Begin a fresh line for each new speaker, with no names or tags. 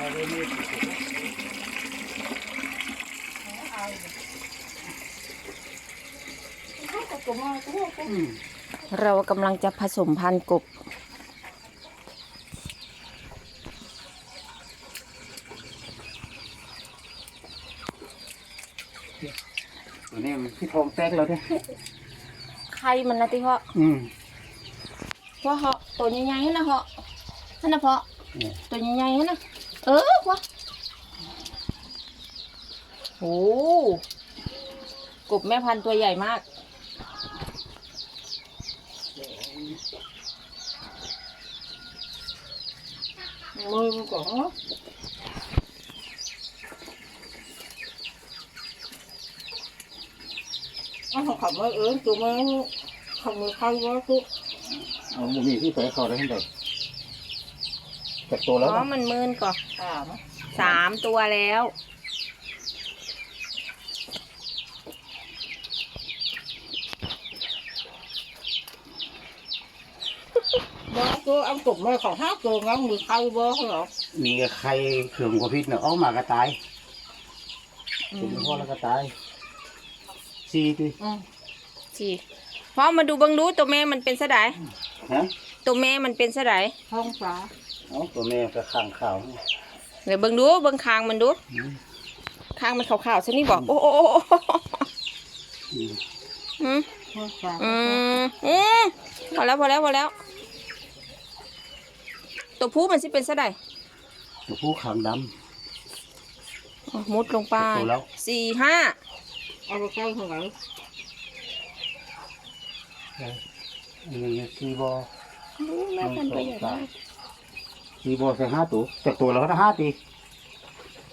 เรากำลังจะผสมพันธุ์กบ
ตัวนี้มันที่ทองแตกแล้วเนี่ย
ไข่มันนะที่เหาะว่าเหาะตัวใหญ่ๆนะเหาะนั่นนะเพาะตัวใหญ่ๆนะวะโอ้กบแม่พันธุ์ตัวใหญ่มาก
มือก่อนเขาขับมาตัวมันขับมือใครวะทุก
เอาบุมีที่ไปเขาได้ทั้งหมดจากตัวแล้ว
มันมืนก่อน3 ตัวแล้ว
ตัวเอากบมาของ5 ตัวงั้นมือใครวะเหรอ
มีใครเขื่องกว่าพิษเนี่ยออกมากระตายถึงพ่อแล้วก็ตาย4 ดิ
พ่อมาดูบังดูตัวแม่มันเป็นสะไดตัวแม่มันเป็นสะได
ท้องฟ้า
ตัวแม่ก็ข้างข่าว
เดี๋ยวบังดูบังคางมันดูคางมันขาวๆใช่นี่บอกโอ้พอแล้วตัวผู้มันสิเป็นสะได
ตัวผู้ขางด
ำมุดลงไป4 5
เอาไปใกล้เท่าไหร่
4 บ่
แม่พันธุ์ตัวใหญ่มาก
4 บ่ใส่5 ตัวจากตัวแล้วก็5 ตี